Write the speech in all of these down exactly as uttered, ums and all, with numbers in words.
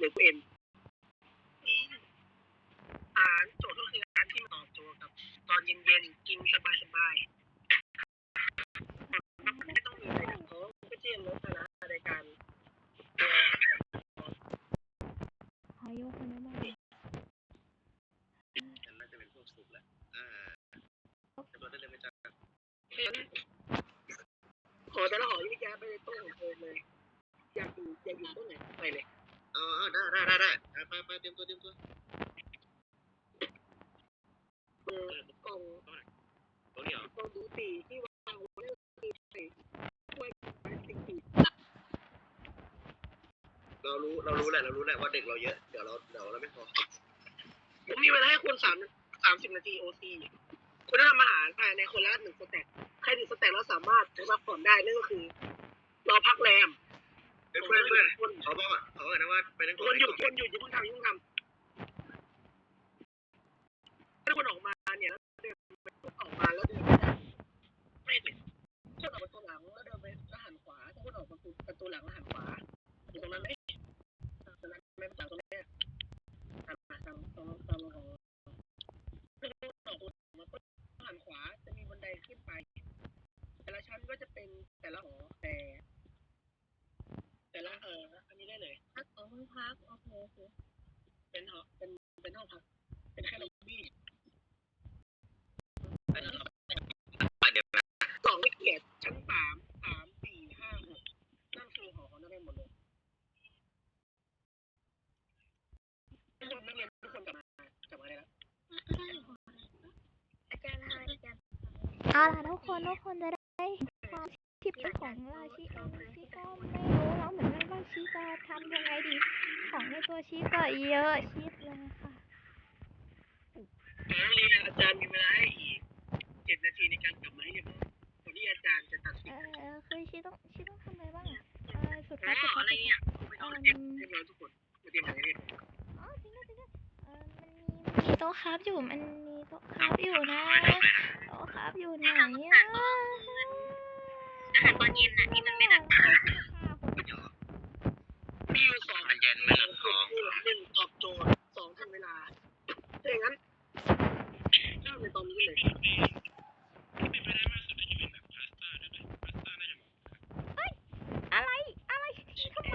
รือกูเอ็มอ่านโจทย์ก็คือการที่ตอบโจทย์กับตอนเย็นๆกินสบายๆไม่ต้องมีอะไรท้องก็เจียมลดนะในการอายุคนนี้บ้างน่าจะเป็นพวกสุกแหละอ่าจะมาได้เลยไหมจ๊ะขอแต่ละหอยิ่งแย่ไปต้นของเธอเลยอยากอยู่อยากอยู่ต้นไหนไปเลยเออได้ได้ได้ได้ไปไปเตรียมตัวเตรียมตัวเออกล่องตรงนี้เหรอกล่องดูสีที่วางไว้ตีใส่ถ้วยพลาสติกสีเรารู้เรารู้แหละเรารู้แหละว่าเด็กเราเยอะเดี๋ยวเราเดี๋ยวเราไม่พอผมมีเวลาให้คุณสามสามสิบนาทีโอซีคุณต้องทำอาหารภายในคนละหนึ่งสเต็ปใครหนึ่งสเต็ปแล้วสามารถพักผ่อนได้นั่นก็คือเราพักแรมเพื่อนเพื่อนเขาบอกเขาบอกนะว่าไปนั่งคนหยุดคนหยุดอย่าเพิ่งทำอย่าเพิ่งทำถ้าคนออกมาเนี่ยแล้วเดินออกมาแล้วเดินไม่ได้คนออกประตูหลังแล้วเดินไปแล้วหันขวาถ้าคนออกประตูประตูหลังแล้วหันขวาอยู่ตรงนั้นไหมตรงนั้นไม่ต่างตรงนี้ตามตามตามตามของถ้าคนออกประตูมาก็หันขวาจะมีบันไดขึ้นไปแต่ละชั้นก็จะเป็นแต่ละหอแต่แต่ละเอออันนี้ได้เลยพักของห้องพักโอเคโอเคเป็นหอเป็นเป็นห้องพักเป็นแค่ล็อบบี้เดี๋ยวนะสองไม่เกียรติชั้นสามสามสี่ห้าหกนั่นคือหอของนักเรียนหมดเลยทุกคนนักเรียนทุกคนกลับมากลับมาได้แล้วอาจารย์ให้อาจารย์เอาล่ะทุกคนทุกคนจะได้ความทิปของราชิเอ็มที่ก็ไม่รู้แล้วเหมือนกันว่าชีจะทำยังไงดีของในตัวชีก็เยอะชิดเลยค่ะนักเรียนอาจารย์มีเวลาให้อีกเจ็ดนาทีในการกลับมาให้เรียบร้อยก่อนที่อาจารย์จะตัดสินเออคือชีต้องชีต้องทำอะไรบ้างอ่ะเออสุดท้ายสุดท้ายอะไรเนี่ยเรียบร้อยทุกคนมาเตรียมอะไรเรียบร้อยอ๋อจริงด้วยจริงด้วยเออมันมีมันมีโต๊ะครับอยู่มันมีโต๊ะครับอยู่นะโต๊ะครับอยู่ไหนอ่ะอาหารตอนเย็นน่ะที่มันไม่หนักมีอยู่สองมันเย็นไม่หนักคอหนึ่งตอบโจทย์สองทันเวลาถ้าอย่างนั้นเริ่มในตอนนี้เลยเป็นไปได้มากสุดจะเป็นแบบพาสต้าได้ไหมพาสต้าน่าจะเหมาะเฮ้ยอะไรอะไรทำไม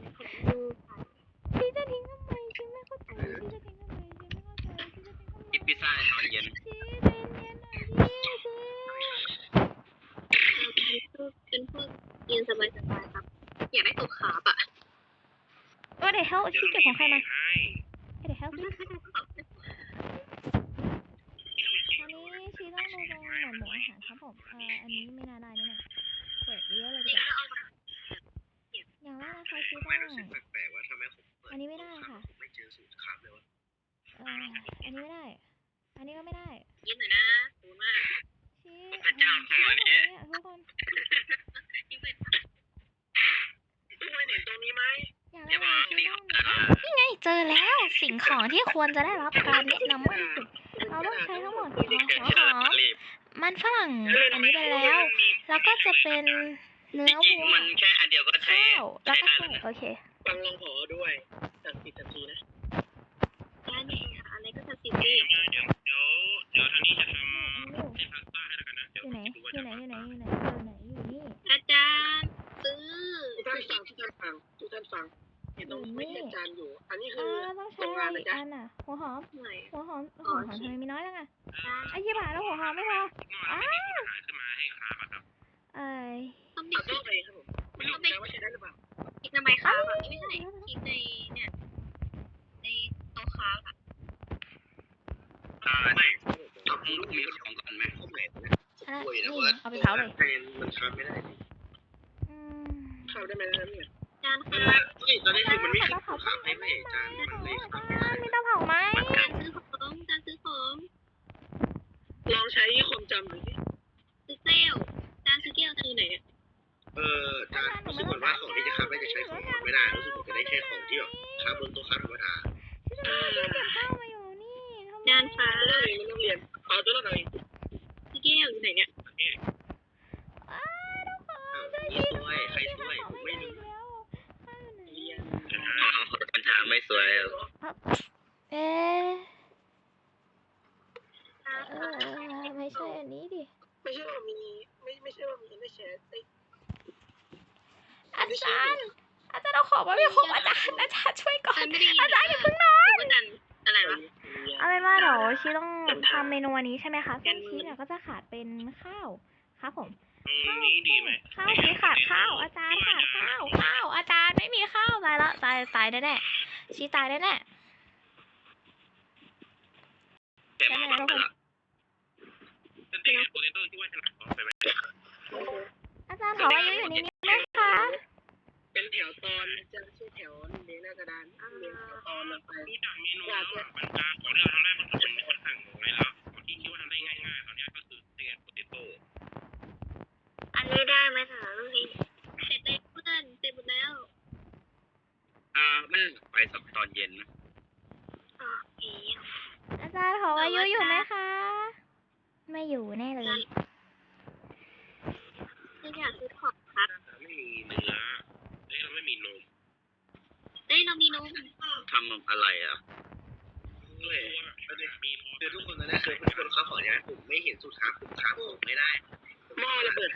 ชีจะทิ้งทำไมชีไม่เข้าใจชีจะทิ้งทำไมชีไม่เข้าใจชีจะทิ้งทำไมกินพิซซ่าตอนเย็นชีใจเย็นหน่อยดิชีเป็นพวกกินสบายๆครับอยากได้ตัวขาบอ่ะว่าเดี๋ยวเขาชีเก็บของใครมาเดี๋ยวเขาตอนนี้ชีต้องดูตรงหมวดหมู่อาหารครับผมเอออันนี้ไม่น่าได้แน่ๆเปิดเยอะเลยดีกว่าอย่างแรกนะคะชีต้องแปลกๆว่าทำไมผมอันนี้ไม่ได้ค่ะไม่เจอสูตรขาบเลยวะเอออันนี้ไม่ได้อันนี้ก็ไม่ได้ยิ้มหน่อยนะดูมากชีพระเจ้าของอันนี้ทุกคนยิ้มเลยทุกคนเห็นตรงนี้ไหมอย่างแรกชีต้องนี่ไงเจอแล้วสิ่งของที่ควรจะได้รับการแนะนำมากที่สุดเราต้องใช้ทั้งหมดหัวหอมมันฝรั่งอันนี้ไปแล้วแล้วก็จะเป็นเนื้อวัวมันแค่อันเดียวก็ใช้ข้าวแล้วก็ไส้โอเคฟังลองหอด้วยตัดสิบนาทีนะได้ไหมคะอะไรก็จะสิบดีเดี๋ยวเดี๋ยวเดี๋ยวทางนี้จะทำเป็นพาสต้าให้แล้วกันนะอยู่ไหนอยู่ไหนอยู่ไหนอยู่ไหนอยู่ไหนอยู่นี่อาจารย์ซื้อทุกท่านฟังทุกท่านฟังทุกท่านฟังเห็นตรงนี้อาจารย์อยู่อันนี้คือต้องใช้อะไรอีกอันอ่ะหัวหอมหัวหอมหัวหอมทำไมมีน้อยจังอ่ะไอ้ยี่บ้าแล้วหัวหอมไม่พออ้าวขึ้นมาให้ขาครับเอ้ยต้องมีต้องไปครับผมไม่รู้นะว่าใช้ได้หรือเปล่าอีกทำไมขาแบบไม่ใช่อีกในเนี่ยในโต๊ะขาอ่ะอ่าไม่ต้องลูกมีของกันไหมข้าวเหม็นนะเอาไปเผาเลยมันทำไม่ได้เข้าได้ไหมนะเนี่ยจานค่ะเฮ้ยตอนนี้คือมันไม่ขึ้นของขาให้ไม่จานมันเลยครับมีเตาเผาไหมจานซื้อของจานซื้อของลองใช้ความจำดูสิซื้อแก้วจานซื้อแก้วคือไหนเออจานรู้สึกเหมือนว่าของที่จะคับได้จะใช้ของไม่ได้รู้สึกเหมือนจะได้ใช้ของที่แบบคับบนโต๊ะคับธรรมดาจานฟ้าเลยมันต้องเรียนเอาตัวละหน่อยซื้อแก้วอยู่ไหนเนี่ยนี่ช่วยใครช่วยผมไม่รู้ปัญหาไม่สวยเอ๊ะเออไม่ใช่อันนี้ดิไม่ใช่ว่ามีไม่ไม่ใช่ว่ามีไม่แชร์ไอ้อาจารย์ อาจารย์เอาของมาไม่ครบอาจารย์อาจารย์ช่วยก่อนฉันไม่ได้ยินอาจารย์อย่าเพิ่งนอนว่าดันอะไรวะเอาเป็นว่าเดี๋ยวชีต้องทำเมนูอันนี้ใช่ไหมคะซึ่งชีเนี่ยก็จะขาดเป็นข้าวครับผมข้าวข้าวชีขาดข้าว อาจารย์ขาดข้าวข้าว อาจารย์ไม่มีข้าวตายละตายตายแน่ๆชีตายแน่ๆแกมาบ้างละเป็นเด็กโปเตโต้ที่ว่าฉลาดไปไหมอาจารย์ขออายุอยู่นี่ไหมคะเป็นแถวตอนจะชื่อแถวเรียงหน้ากระดานเรียงแถวตอนลงไปรู้จักเมนูแล้วบรรดาของที่เราทำได้มันคือมันค่อนข้างน้อยแล้วของที่คิดว่าทำได้ง่ายๆตอนนี้ก็คือเด็กโปเตโต้อันนี้ได้ไหมถามลูกพี่เสร็จเลยเพื่อนเสร็จหมดแล้วอ่ามันไปสักตอนเย็นอ๋ออีอาจารย์ขออายุอยู่ไหมคะ ไม่อยู่แน่เลยคืออยากซื้อของครับไม่มีเนื้อเฮ้ยเราไม่มีนมเอ้ยเรามีนมทำนมอะไรอ่ะเฮ้ยคือทุกคนตอนนี้คือทุกคนเขาขอเนี่ยผมไม่เห็นสูตรค้าผมค้าผมไม่ได้หม้อระเบิด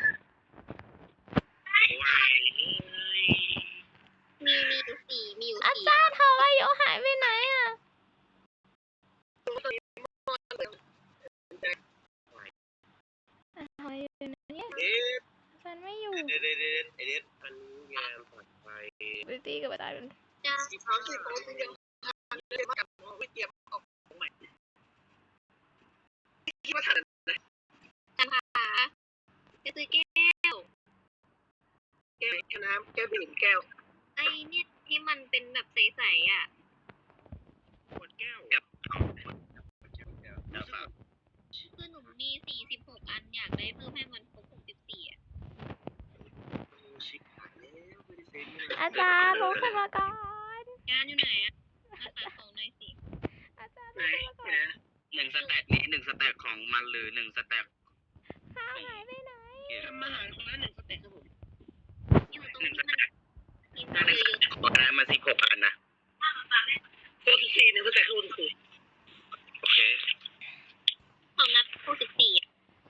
ว้ายมีมีอยู่สี่มีอยู่อาสี่จารย์ขออายุหายไปไหนอ่ะขออายุอยู่ไหนเนี่ยเอ๊ะอาจารย์ไม่อยู่เด็ดเด็ดเด็ดเด็ดอันงานปลอดภัยไปตีกับอาจารย์จ้าสีฟ้าสีฟ้าสีเดียวเรียกกับวิเตรียมออกใหม่คิดว่าทันจันผาจะซื้อแก้วแก้วน้ำแก้วดื่มแก้วไอ้เนี่ยที่มันเป็นแบบใสๆอ่ะขวดแก้วกับเอาขวดแก้วแก้วน้ำเปล่าคือหนูมีสี่สิบหกอันอยากได้เพิ่มให้มันครบหกสิบสี่อ่ะชิคหายแล้วไม่ได้เซ็นอาจารย์ลุกขึ้นมาก่อนงานอยู่ไหนอ่ะอาขายของหน่อยสิอาจารย์ไหนลุกขึ้นมาก่อนนะหนึ่งสแต็กนี้หนึ่งสแต็กของมันหรือหนึ่งสแต็กข้าวหายไปไหนทำอาหารคนละหนึ่งสเต็กครับผมอยู่ตรงหนึ่งที่สมันแต็กมีถ้าหนึ่งเยสอะแต็กของนั้นมาสิบหกอันนะโคตรสี่หนึ่งสเต็กคือคือโอเคๆของนับหกสิบสี่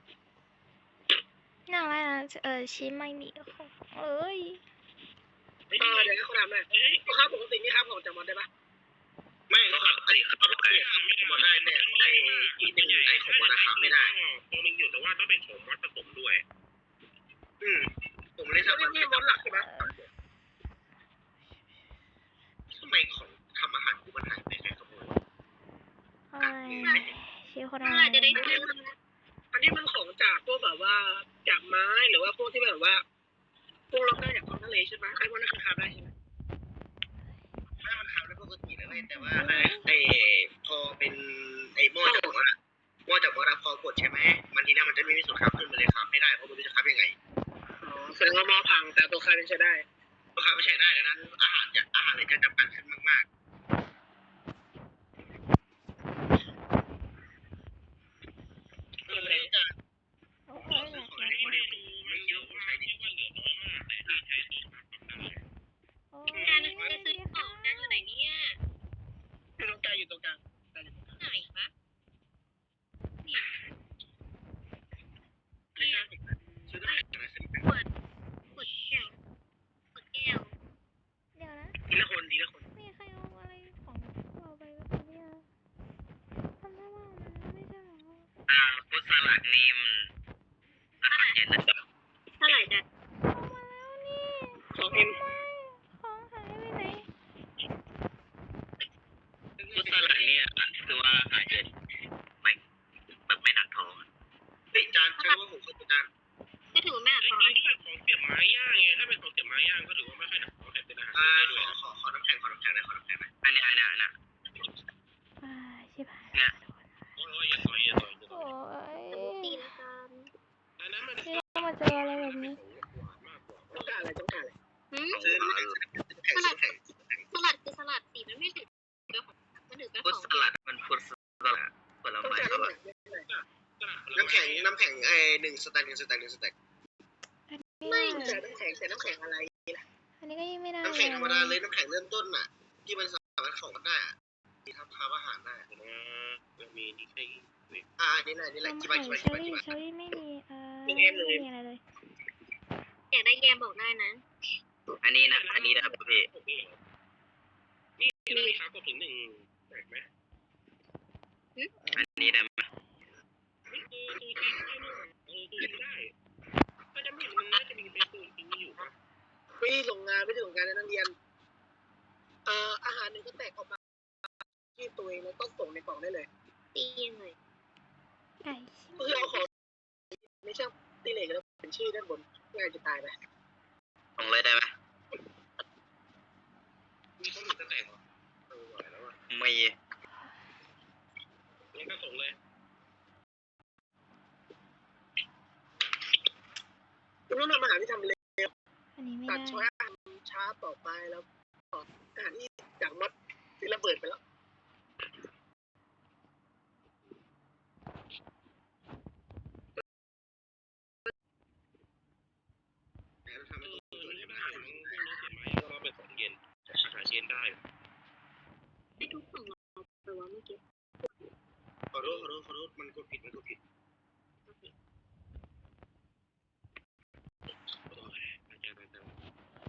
น่าอะไรนะเออชิ้นไม่มีของเอ้ยเออเดี๋ยวเขาทำเลยลูกค้าปกตินี่ครับผมจำมันได้ปะไม่ก็ครับไอ้เขาต้องไปมาได้เนี่ยไอ้ที่เป็นไอ้ของวันนะครับไม่ได้ตัวนึงอยู่แต่ว่าต้องเป็นของวัดผสมด้วย อืมผมเลยแล้วทำนี่นี่มดหลักใช่ไหมทำไมของทำอาหารกูมันหายไปแค่ขโมยอะไรชิ้นคนเมื่อะอไรไหรจะได้ซื้ออันนี้มันของจากพวกแบบว่าจากไม้หรือว่าพวกที่แบบว่าพวกเราได้จากท้องทะเลใช่ไหมไอ้พวกนั้นคือคาได้ใช่ไหมถ้ามันทำได้ปกติแล้วเลยแต่ว่าไอ้พอเป็นไอ้หม้อจากหม้อหม้อจากหม้อรับพอกดใช่ไหมมันทีนี้มันจะไม่มีส่วนครับขึ้นมาเลยครับไม่ได้เพราะมันจะครับยังไงอ๋อแสดงว่าหม้อพังแต่ตัวคาเป็นใช้ได้ลูกค้าไม่ใช้ได้ดังนั้นอาหารจะอาหารเลยจะจำกัดขึ้นมากๆเออเลยจะโอ้ขอย ซื้อของในโมเดลไม่คิดว่าผมใช้ดีว่าเหลือน้อยมากแต่ที่ใช้ตัวครับได้โอ้งานยจะซื้อของงานอยู่ไหนเนี่ยอยู่ตรงกลางอยู่ตรงกลางไหนวะไม่ใช่ซื้อได้แต่ละซื้อขวดขวดแก้วขวดแก้วเดี๋ยวนะทีละคนทีละคนมีใครเอาอะไรของเราไปบ้างเนี่ยทำได้ว่ามันไม่ใช่ของเราอ่าฟุตสลัดนี่มันอาหารเย็นนะเท่าไหร่จ้ะเอามาแล้วนี่ของเอ็มของหายไปไหนฟุตสลัดนี่คือว่าอาหารเย็นไม่แบบไม่หนักท้องเฮ้ยจานเชื่อว่าผมเคยเป็นจานก็ถือว่าไม่หนักท้องที่แบบของเสียบไม้ย่างไงถ้าเป็นของเสียบไม้ย่างก็ถือว่าไม่ค่อยหนักท้องแต่เป็นอาหารได้ด้วยขอขอน้ำแข็งขอน้ำแข็งได้ขอน้ำแข็งได้อันนี้อันนี้อันนี้อ่าชิบหายเนี่ยโอ้ยอย่าต่อยอย่าต่อยอย่าต่โอ้อยยตีละกันอันนั้นมันที่ต้องมาเจออะไรแบบนี้ต้องการอะไรต้องการอะไรหืมซื้อน้ำแข็งน้ำแข็งสลัดคือสลัดสีมันไม่ถือเป็นของมันถือเป็นฟุตของสลัดมันฟุตสลัดผลต้องไม้การสลัดน้ำแข็งน้ำแข็งน้ำแข็งไอ้หนึ่งสแต็กหนึ่งสแต็กหนึ่งสแต็กไม่ใส่น้ำแข็งใส่น้ำแข็งอะไรอันนี้ก็ยิ่งไม่ได้น้ำแข็งธรรมดาเลยน้ำแข็งเริ่มต้นอ่ะที่มันสามารถของมันได้อะที่ทำทำอาหารได้อะผมว่ามันมีนี่ใช่ไหมอ่านี่แหละนี่แหละนมกี่ไข่บาทกี่บาทเชอกี่บาทรี่กี่บาทเชอรี่ไม่มีเอ่อลุงไม่เอ็มลุงเอ็มมีอะไรเลยอยากได้แยมบอกได้นะอันนี้นะอันนี้นะครับพี่นี่เรามีค้ากดถึงหนึ่งแปลกไหมอันนี้ได้ไหมนี่คือตูจีนได้นี่หว่าเออตูจีนได้ก็จะไม่เห็นมันน่าจะมีเป็นตูจีนอยู่ปะไม่ได้ส่งงานไม่ได้ส่งงานในนักเรียนเอ่ออาหารหนึ่งก็แตกออกมาที่ตัวเองแล้วก็ส่งในกล่องได้เลยตียังไงไก่ก็คือเอาของในช่างตีเหล็กแล้วเป็นชื่อด้านบนง่ายจะตายไปส่งเลยได้ไหมมีคนอื่นจะแต่งเหรอเออไหวแล้วอ่ะไม่งั้นก็ส่งเลยคุณต้องทำอาหารที่ทำเร็วอันนี้ไม่ตัดได้ช้อยอาหารช้าต่อไปแล้วก็อาหารที่จากมัดที่ระเบิดไปแล้วแล้วทำให้เอตัวอตัวนี่นี้ได้มันพวหากนี้เสียไหมก็เราไปของเย็นอาหารเย็นได้ไอ้ทุกของเราแต่ว่าเมื่อกี้ขอโทษขอโทษขอโทษมันกดผิดมันกดผิดโอ้ยอาจารย์อาจารย์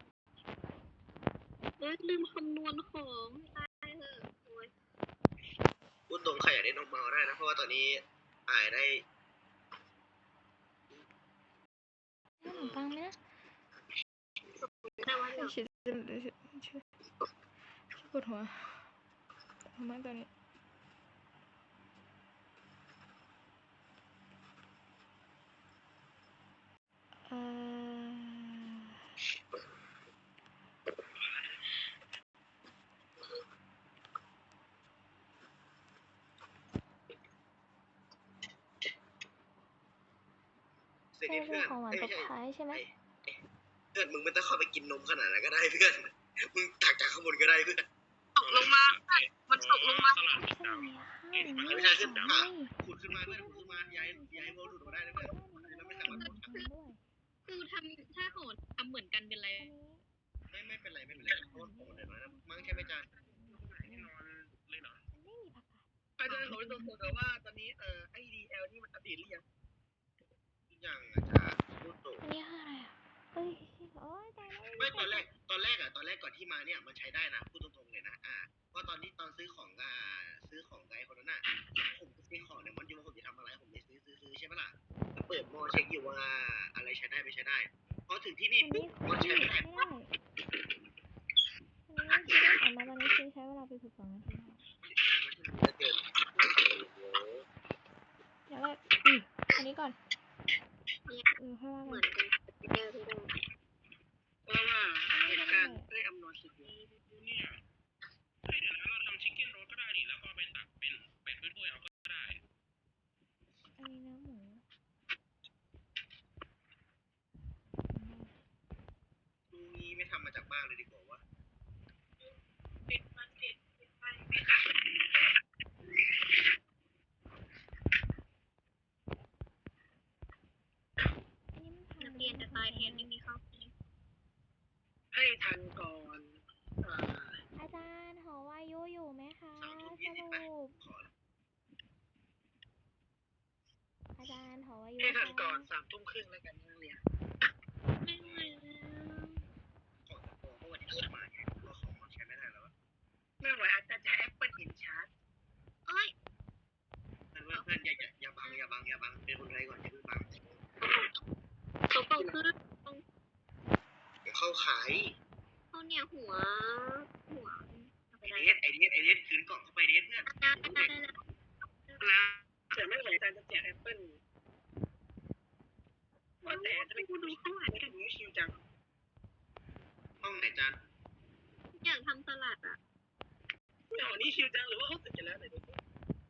เอ้ยลืมคำนวณของตายเถอะโอ้ยพูดตรงใครอยากได้นมเมาได้นะเพราะว่าตอนนี้อายได้ขนมปังไหมนะแต่ว่าเดี๋ยวชื่อชื่อชื่อชื่อปวดหัวทำไมตอนนี้เอ่อเสร็จใช่เพื่เรื่ออน งของหวานเอ้ยตไม่บใช่ท้ายใช่ไหมเพื่อนมึงไม่ต้องเข้าไปกินนมขนาดนั้นก็ได้เพื่อนมึงตักจากข้างบนก็ได้เพื่อนตกลงมา มันตกลงมาตลาดไม่ใช่ดำมีห้าหรือไม่ไม่ใช่ใช่ขึ้นไม่ขุดขึ้นมาเพื่อนขุดขึ้นมาย้ายย้ายโมหลุดมาได้นะเพื่อนแล้วไม่สามารถขุดด้วยคือทำถ้าโหดทำเหมือนกันเป็นไรอันนี้ไม่ไม่เป็นไรไม่เป็นไรเพราะว่าของเดี๋ยวน้อยนะมั้งใช่ไหมจานแน่นอนเลยเหรอมันไม่มีผักกาดอาจารย์ขอตรงๆแต่ว่าตอนนี้เอ่อไอดีเอลนี่มันอัปเดตหรือยังทุกอย่างอาจารย์พูดตรงอันนี้คืออะไรอ่ะเฮ้ยโอ้ยตายแล้วไม่ตอนแรกตอนแรกอะตอนแรกก่อนที่มาเนี่ยมันใช้ได้นะพูดตรงๆเลยนะอ่าเพราะตอนที่ตอนซื้อของอ่าซื้อของไกด์คนนั้นอะผมก็ซื้อของเนี่ยมันอยู่ว่าผมจะทำอะไรผมเลยซื้อซื้อซื้อใช่ไหมล่ะก็เปิดมอเช็คอยู่ว่าอะไรใช้ได้ไม่ใช้ได้พอถึงที่นี่อันปุ๊นี้บคุมันกใช้กี้ไม่ได้ไม่ได้อันนี้คือได้ออกมาตอนนี้คือใช้เวลาไปสิบสองนาทีค่ะเกินเดี๋ยวเราอืมอันนี้ก่อนเออค่อยว่าเหกัมือน นกันเดิมที่เดิมเพราะว่าเหตุการณ์ได้อำนวยสิทธิ์อยู่เนี่ยเฮ้ยเดี๋ยวนะเราทำชิคเก้นโรสก็ได้ดิแล้วก็เอาไปตักเป็นเป็ดถ้วยๆเอาก็ได้อันนี้เนื้อหมูดูนี้ไม่ทำมาจากบ้านเลยดีกว่าวะอันนี้มันทำนักเรียนจะตายแทนไม่มีข้าวกินให้ทันก่อนเอ่ออาจารย์หอวายุอยู่ไหมคะสามทุ่มสยี่สิบรุไปปขออาจารย์หอวายุให้ทันคะก่อนสามทุ่มครึ่งแล้วกันนักเรียนไม่ไหวแล้วของโปรเพราะวันนี้เขามาไงเพราะของมันใช้ไม่ได้แล้วอะไม่ไหวอาจารย์จะแอปเปิลอินชาร์จโอ้ยเพื่อนเพื่อนอย่าอย่าอย่าบังอย่าบังอย่าบังเป็นคนไทยก่อนอย่าเพิ่งบังเขาเป่าขึ้นเดี๋ยวเข้าขายเขาเนี่ยหัว หัวเอาไปไอได้เดสไอเดสไอเดสคืนกล่องเข้าไปเดสเพื่อนได้ได้ได้แล้วนะแต่ไม่ไหวอาจารย์จะแจกแอปเปิลว่าแต่จะไปกูดูข้างหลังไม่กัถึนงนี้ชิวจังห้องไหนจานอยากทำสลัดอ่ะไม่เอานี่ชิวจังหรือว่าเขาติดกันแล้วไหนดูสิ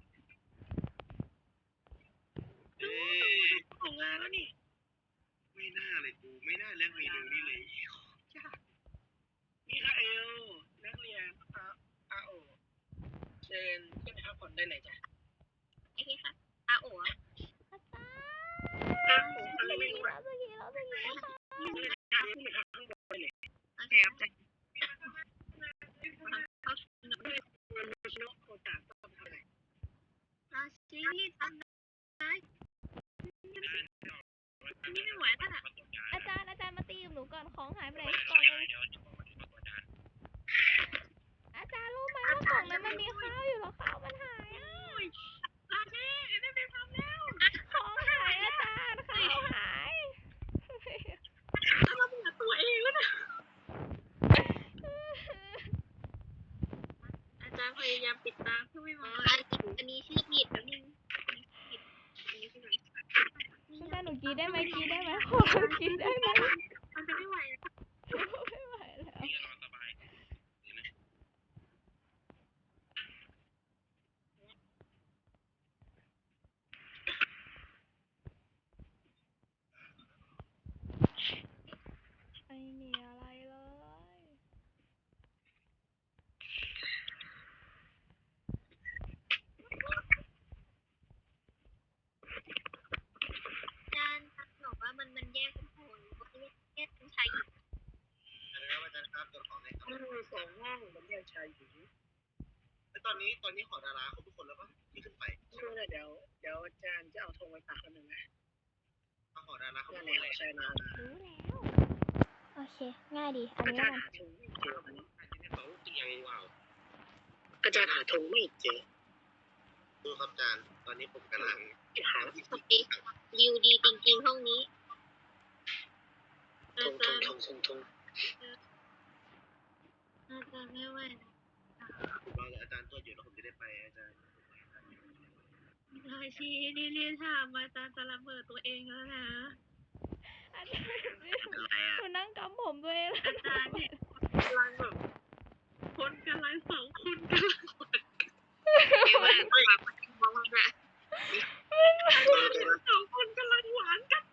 เอ้ยของงานแล้วนี่ไม่น่าเลยกูไม่น่าเลือกเมนูนี้เลยมิคาเอลนักเรียนอาอาโอเชิญขึ้นไปพักผ่อนได้เลยจ้ะไอ้ที่ค่ะอาโอ๋อะอาจารย์อาโออะไรไม่รู้เราอะจะกินเราจะกินนะคะขึ้นไปพักขึ้นไปพักข้างบนได้เลยโอเคครับจ้ะเรีบทำได้นี่ไม่ไหวแล้วน่ะอาจารย์อาจารย์มาตีกับหนูก่อนของหายไปไหนกล่องนึงอาจารย์รู้ไหมว่ากล่องนั้นมันมีข้าวอยู่แล้วข้าวมันหายอ่ะลาเน่ได้ไปทำแล้วของหายอาจารย์ข้าวหายเราเบื่อตัวเองแล้วนะอาจารย์พยายามปิดตาเพื่อไม่มองอันนี้ชื่อผิดแล้วนึงอันนี้ชื่อผิดอาจารย์หนูกรีดได้ไหมกรีดได้ไหมขอเรากรีดได้ไหมมันจะไม่ไหวแล้วไม่ไหวแล้วนี่นอนสบายไม่มีอะไรเลยอาจารย์บอกว่ามันมันแยกเป็นคนแยกเป็นชายหญิงอาจารย์ครับอาจารย์ครับตัวของในครับสองห้องมันแยกชายหญิงแล้วตอนนี้ตอนนี้หอดาราเขาทุกคนแล้วปะที่ขึ้นไปช่วยหน่อยเดี๋ยวเดี๋ยวอาจารย์จะเอาธงไปฝากคนหนึ่งนะมาหอดาราเขานั่ทุนกแหคนเลยละใช่นะรู้แล้ว โอเค ง่ายดี อันอานี้จารย์มันหาธงไม่เจอวันนี้ที่สองเตียงว้าวอาจารย์หาธงไม่เจอดูครับอาจารย์ตอนนี้ผมกำลังหาที่โอเควิวดีจริงๆห้องนี้ธอางธจาง รย์ธงธงธงอาจารย์ไม่ไหวผมรอเลยอาจารย์ตัวอยู่แล้วผมจะได้ไปอาจารย์ราชีนี่เรียนถามอาจารย์จะระเบิดตัวเองแล้วนะอาจารย์อะไรอ่ะหนูนั่งกำผมตัวเองแล้วอาจารย์เนี่ยกำลังแบบคนกำลังสองคนกำลังหวานเดี๋ยวแบบมองว่าสองคนกำลังหวานกัน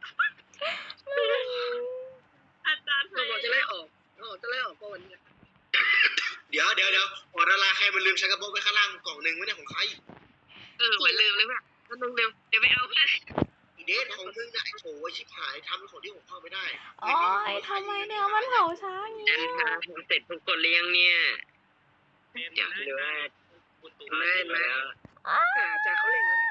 อาจารย์เราบอกจะไล่ออกเราบอกจะไล่ออกเพราะวันนี้เดี๋ยวเดี๋ยวเดี๋ยวหอดาราใครมันลืมชักกระโปรงไว้ข้างล่างกล่องหนึ่งไว้เนี่ยของใครเออเหมือนลืมเลยแบบมันลืมเร็วเดี๋ยวไปเอาเพื่อนอีเดทของมึงน่ะไอ้โถชิบหายทำของที่ผมเข้าไม่ได้โอ้ยทำไมเนี่ยมันเผาช้าอย่างอาเงี้จารยย์คะเสร็จทุกคนเลี้ยงเนี่ยเป็นเดี๋ยวดูว่าคุณตูไม่ไม่อ้าอาจารย์เขาเล่นแล้วนะ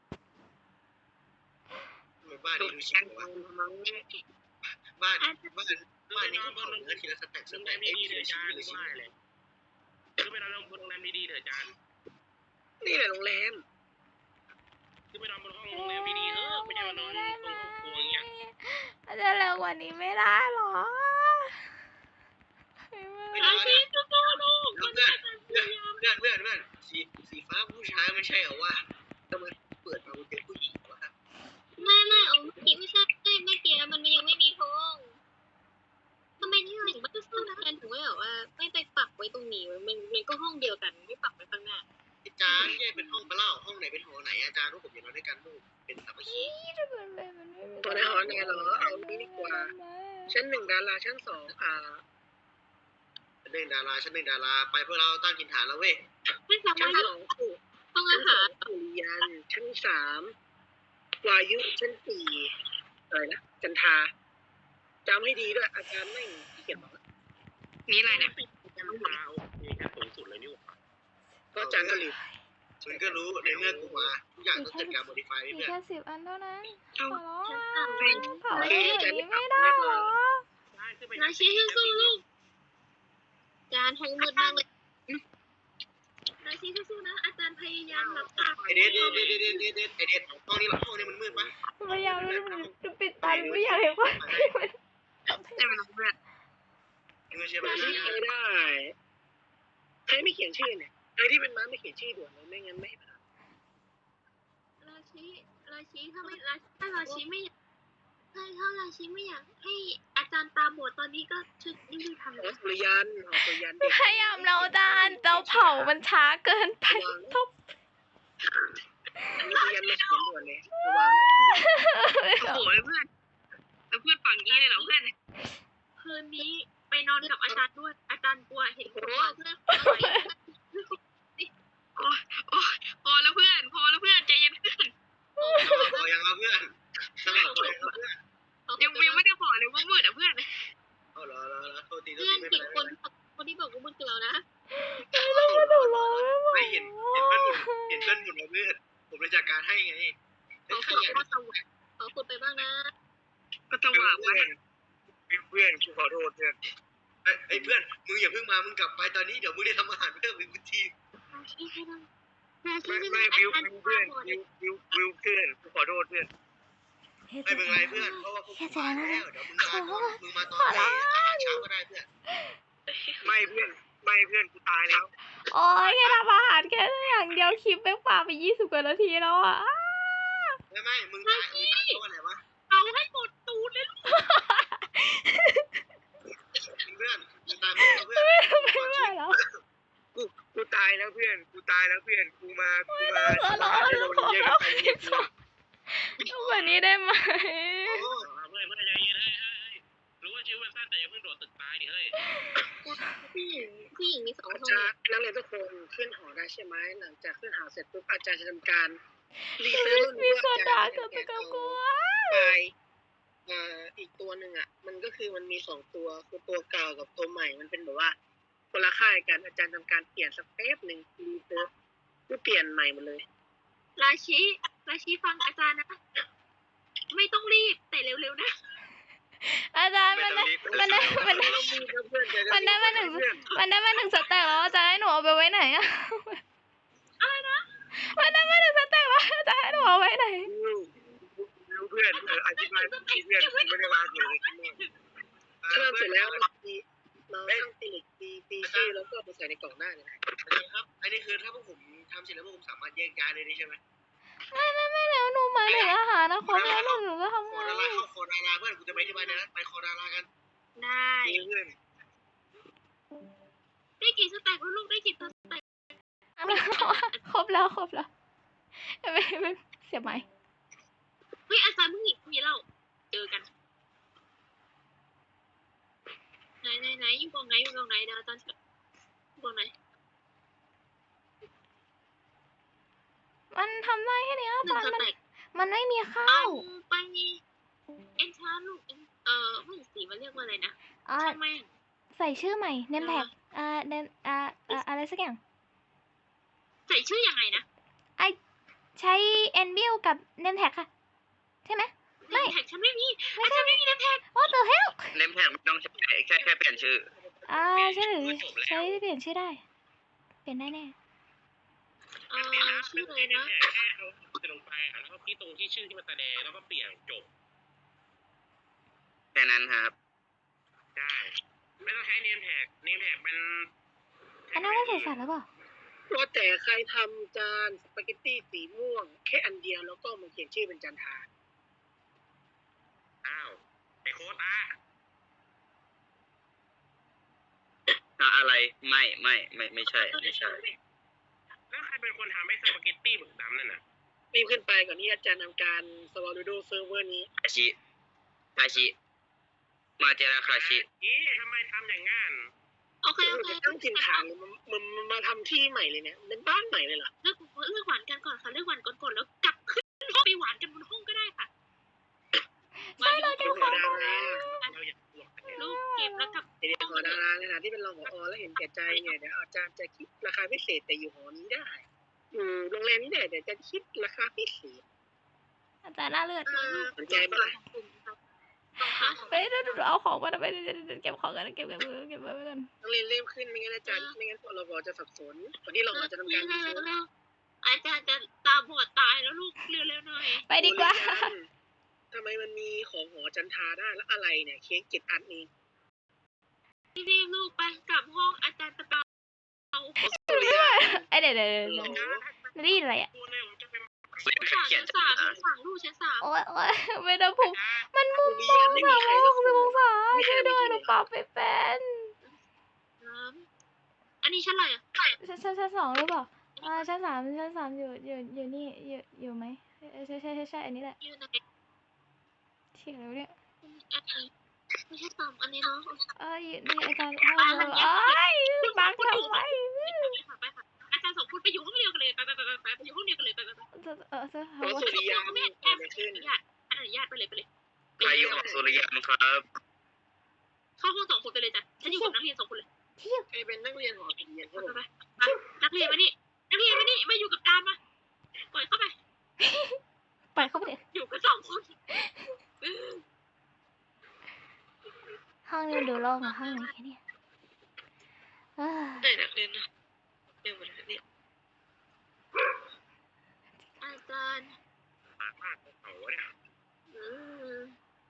ทำไมบ้านนี้ดูชิช่าบงวะมังบ้านบ้านบ้านนี้เขาเผาเนื้อทีละสแต็กสโรงแรแต็กมเอ้ยดีทีๆเถอะละอาชิ้จาน รทีย์ละชิ้นว่าเลยคือไปนอนโรงแรมดีๆเถอะอาจารย์นี่แหละโรงแรมคือไปนอนบนห้องโรงแรมดีๆเออไม่ใช่มานอนตรงห้องครัวอย่างเงี้ยอาจารย์เร็วกว่านี้ไม่ได้หรอไม่ได้นะเพื่อนเพื่อนเพื่อนเพื่อนเพื่อนสีสีฟ้าผู้ชายไม่ใช่เหรอวะทำไมเปิดมาเป็นผู้หญิงวะไม่ไม่เอาเมื่อกี้ไม่ใช่เมื่อกี้มันยังไม่มีทงทำไมที่ถึงไม่ซื้อแทนถึงไม่แบบว่าไม่ไปปักไว้ตรงนี้มันมันก็ห้องเดียวกันไม่ปักไว้ข้างหน้าอาจารย์แยกเป็นห้องไปเล่าห้องไหนเป็นหอไหนอาจารย์ว่าผมอยากนอนด้วยกันลูกเป็นสามัคคีตัวในหอไหนเหรอเอานี้ดีกว่าชั้นหนึ่งดาราชั้นสองอ่าชั้นหนึ่งดาราชั้นหนึ่งดาราไปเพื่อเราตั้งกินฐานแล้วเว้ยไม่สาชั้นมารถสองคือห้องชั้อานสอหาง รสุริยันชั้นสามวายุชั้นสี่อะไรนะจันทาจำให้ดีด้วยอาจารย์ไม่เขียนบอกมีอะไรเนี่ยจะมาโอเคกันสูงสุดเลยนี่หว่าก็อาจารย์ก็รีบมึงก็รู้ในเมื่อกูมาทุกอย่างต้องเกิดการโมดิฟายมีเพื่อนแค่สิบอันเท่านั้นเอาขอร้องชั้นอ่ะสามเป็นเผาเองอย่างนี้ไม่ได้หรอนาชีสู้ๆลูกอาจารย์ทั้งมืดมากเลยนาชีสู้ๆนะอาจารย์พยายามรับตาไอเดทเดทเดทเดทเดทเดทไอเดทห้องนี้ห้องนี้มันมืดปะพยายามจะปิดตาไม่อยากเห็นว่าแต่มันเพื่อนไม่ใช่ปะชื่อไม่ได้ใครไม่เขียนชื่อเนี่ยใครที่เป็นม้าไม่เขียนชื่อด่วนเลยไม่งั้นไม่ผ่านราชีราชีถ้าไม่ราถ้าราชีไม่อยากถ้าถ้าราชีไม่อยากให้อาจารย์ตาบอดตอนนี้ก็ช่วยรีบๆทำหอนะสุริยันหอสุริยันเด็กพยายามเราดานเราเผามันช้าเกินไปทุบสุริยันมาเขียนด่วนเลยระวังโอ้โหเพื่อนแล้วเพื่อนฝั่งนี้เลยเหรอเพื่อนคืนนี้ไปนอนกับอาจารย์ด้วยอาจารย์กลัวเห็นหัวเพื่อนโอ้โอ้พอแล้วเพื่อนพอแล้วเพื่อนใจเย็นเพื่อนพอยังเอาเพื่อนสลับพอยังเอาเพื่อนยังยังไม่ได้บอกเลยว่ามืดอ่ะเพื่อนเอาเหรอเหรอเหรอโทษทีโทษเพื่อนทีไม่สิเป็นไรคนคนที่บอกว่ามืดคือเรานะไม่เห็นเห็นเพื่อนหมุนเห็นเพื่อนหมุนมาเพื่อนผมผมเลยจัดการให้ไงขอขขุดยันก็สว่างขอขุดไปบ้างนะก็จะหวานไว้เพื่อนกูขอโทษเพื่อนไอ้เพื่อนมึงอย่าเพิ่งมามึงกลับไปตอนนี้เดี๋ยวมึงได้ทำอาหารเพิ่มอีกทีนาชีให้ได้นาชีไม่ให้ไม่ได้วิววิวเพื่อนวิววิววิวเพื่อนกูขอโทษเพื่อนไม่เป็นไรเพื่อนเพราะว่าพวกผมมาแล้วเดี๋ยวมึงมาตอนมึงมาตอนไหนอาหารเช้าก็ได้เพื่อนไม่เพื่อนไม่เพื่อนกูตายแล้วโอ้ยแค่ทำอาหารแค่อย่างเดียวคลิปแม่งป่าไปยี่สิบกว่านาทีแล้วอ่ะไม่ไม่มึงตายมึงตายเพราะอะไรวะเอาให้หมดตูดเลยลูกเพื่อนมึงตายเพราะเพื่อนไม่ไหวแล้วกูกูตายแล้วเพื่อนกูตายแล้วเพื่อนกูมากูมาขอร้องโดนเยอะกันไปเนี่ยกูเอาแบบนี้ได้ไหมโอ้เพื่อนเพื่อนใจเย็นเฮ้ยเฮ้ยรู้ว่าชีวิตมันสั้นแต่อย่าเพิ่งโดดตึกตายดิเฮ้ยผู้หญิงผู้หญิงมีสองอาคนจารย์นักเรียนทุกคนขึ้นหอได้ใช่ไหมหลังจากขึ้นหอเสร็จปุ๊บอาจารย์จะทำการรีเซิร์ชมีว่าคนอาด่าจารย์กับจะตัวเอากลัวไฟล์เอ่ออีกตัวหนึ่งอ่ะ มันก็คือมันมีสองตัวคือตัวเก่ากับตัวใหม่มันเป็นแบบว่าคนละค่ายกันอาจารย์ทำการเปลี่ยนสักแป๊บหนึ่งรีเซิร์ชเพื่อเปลี่ยนใหม่หมดเลยราชีราชีฟังอาจารย์นะ ไม่ต้องรีบแต่เร็วๆนะอาจารย์มันได้มันได้มันได้เรามีเพื่อนๆจะมันได้มาหนึ่งมันได้มาหนึ่งสแต็กแล้วอาจารย์ให้หนูเอาไปไว้ไหนอะอะไรนะมันได้มาหนึ่งสแต็กแล้วอาจารย์ให้หนูเอาไว้ไหนวิววิวเพื่อนเอออธิบายเพื่อนกูไม่ได้มาเกี่ยวเลยที่นี่ถ้าเราเสร็จแล้วเราตีเราตั้งตีเหล็กตีตีชื่อแล้วก็ไปใส่ในกล่องได้เลยนะครับอันนี้คือถ้าพวกผมทำเสร็จแล้วพวกผมสามารถแยกย้ายเลยได้ใช่ไหมไม่ไม่ไม่แล้วหนูหมายถึงอาหารนะครบแล้วหนูหนูจะทำคอไงดาราเข้าคอดาราเพื่อนกูจะไปที่บ้านนะไปคอดารากันได้เพื่อนได้กี่สแต็กแล้วลูกได้กี่สแต็กครบแล้วครบแล้วไม่ไม่เสียไหมเฮ้ยอาจารย์มึงหนีมีเราเจอกันไหนไหนไหนอยู่กองไหนอยู่กองไหนเดี๋ยวอาจารย์อยู่กองไหนมันทำได้แค่นี้อาหนึ่จาง รสย์มันแต็กมันไม่มีข้าเอาวไปเอ็นชาลูกเออไม่สีมันเรียกว่าอะไรนะอ่าช่างแม่งใส่ชื่อใหม่เนมแท็กอ่าเนมอ่าอ่าอะไรสักอย่างใส่ชื่อยังไงนะไอใช้เอ็นบิลกับเนมแท็กค่ะ ใช่ไหม ไม่แท็กฉันไม่มีอาจารย์ไม่มีแท็ก What the hell เนมแท็กไม่ต้องใช้แค่แค่เปลี่ยนชื่ออ่าใช่หรือใช้เปลี่ยนชื่อได้ เปลี่ยนได้แน่เออชื่ออะไรนะแค่เอาลงไปอ่ะแล้วก็ที่ตรงที่ชื่อที่มันแสดงแล้วก็เปลี่ยนจบแค่นั้นครับได้ไม่ต้องใช้เนมแท็กเนมแท็กมันอันนั้นไม่ใส่สัตว์หรือเปล่าว่าแต่ใครทำจานสปาเกตตี้สีม่วงแค่อันเดียวแล้วก็มาเขียนชื่อเป็นจันทาอ้าวไอโคตาอะไรไม่ไม่ไม่ไม่ใช่ไม่ใช่แล้วใครเป็นคนทำให้สปาเกตตี้หมึกดำนั่นน่ะรีบขึ้นไปก่อนที่อาจารย์ทำการสวอลูโดเซิร์ฟเวอร์นี้คาชิคาชิ มาเจราคาชิอีทำไมทำอย่างงั้นโอเคโอเคจะตั้งถิ่นฐานเลยมันมันมันมาทำที่ใหม่เลยเนี่ยเป็นบ้านใหม่เลยเหรอเลือกเลือกหวานกันก่อนค่ะเลือกหวานก่อนก่อนแล้วกลับขึ้นห้องไปหวานกันบนห้องก็ได้ค่ะใช่เราเก็บของดาราเราอยากบวกกันเนี่ยลูกเก็บแล้วกลับเดี๋ยวหอดาราในฐานะที่เป็นรองผอแล้วเห็นแก่ใจเนี่ยเดี๋ยวอาจารย์จะคิดราคาพิเศษแต่อยู่หอนี้ได้อยู่โรงแรมนี้เนี่ยเดี๋ยวจะคิดราคาพิเศษอาจารย์น่าเลือดสนใจปะล่ะต้องค่ะไปเดี๋ยวเอาของมาไปเก็บของกันเก็บเก็บเก็บไว้ก่อนต้องเรียนเริ่มขึ้นไม่งั้นอาจารย์ไม่งั้นเราบอกจะสับสนตอนที่เราจะทำการรีเสิร์ชอาจารย์จะตาบอดตายแล้วลูกเร็วๆหน่อยไปดีกว่าทำไมมันมีของหอจันทาได้แล้วอะไรเนี่ยเค้กเจ็ดอันนี้รีบๆลูกไปกลับห้องอาจารย์จะเอาสุริยาไอเดี๋ยวเดี๋ยวหรอนี่อะไรอ่ะกูเนี่ยผมจะเป็นสั่งเขียนชั้นสามชั้นสามลูกชั้นสามโอ้ยโอ้ยไม่ได้ผมมันมุสุมริมยาองไม่สามีมใครร้อยก็หกสิบองศาไม่ใครช่วยไม่ด้วยมีหนูปรับไปเป็นน้ำอันนี้ชั้นอะไรอ่ะชั้นชั้นชั้นสองหรือเปล่าอ่าชั้นสามชั้นสามอยู่อยู่อยู่นี่อยู่อยู่ไหมใช่ใช่ใช่ใช่อันนี้แหละยืนไหนเฉียแล้วเนี่ยอันนี้ไม่ใช่สามอันนี้เนาะเอ้ยนี่อาจารย์ห้องเอ้ยบังทำไมไปค่ะอาจารย์สองคนไปอยู่ห้องเดียวกันเลยไปไปไปไปไปอยู่ห้องเดียวกันเลยไปไปไปเออเออเพราะสุริยาไม่ไม่แอเกิดบอะไรขึ้นอนุญาตอนุญาตไปเลยไปเลยใครอยู่หอสุริยามครับเข้าห้องสองคนไปเลยจ้ะฉันอยู่กับนักเรียนสองคนเลยใครเป็นนักเรียนหอสุริยาไปไปไปนักเรียนมานี่นักเรียนมานี่มาอยู่กับการมาปล่อยเข้าไปงกับห้องไหนแค่เนี่ยเอ้ยได้นักเรียนนะเรียนหมดแล้วเนี่ยอาจารย์ปากมากของเขาเนี่ยอืม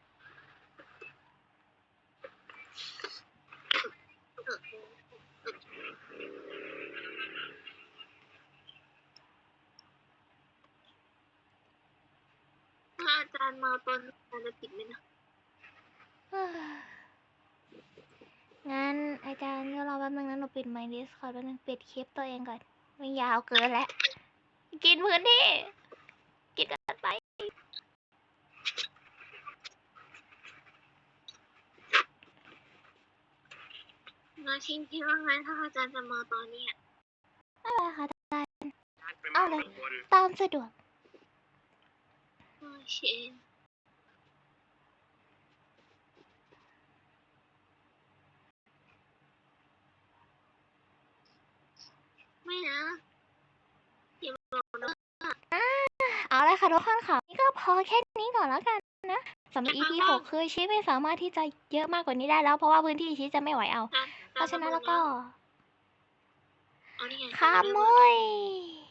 ถ้าอาจารย์มาตอนอาจารย์จะติดไหมนะเอ้ยงั้นอาจารย์เดี๋ยวรอแป๊บนึงนะหนูปิดไมค์ดิสคอร์ดแป๊บนึงปิดคลิปตัวเองก่อนไม่ยาวเกินแล้วกินพื้นที่กินเกันไปนาชิงคิดว่าไงถ้าอาจารย์จะมาตอนเนี้ยอะไรคะไปมาข้างบนตามสะดวกโอเคไม่นะอย่าบอกนะเอาเลยค่ะทุกคนค่ะนี่ก็พอแค่นี้ก่อนแล้วกันนะสำหรับ อี พี หกคือชีไม่สามารถที่จะเยอะมากกว่านี้ได้แล้วเพราะว่าพื้นที่ชีจะไม่ไหวเอาอาจารย์เพราะฉะนั้นแล้วก็เอานี่ไงขโมย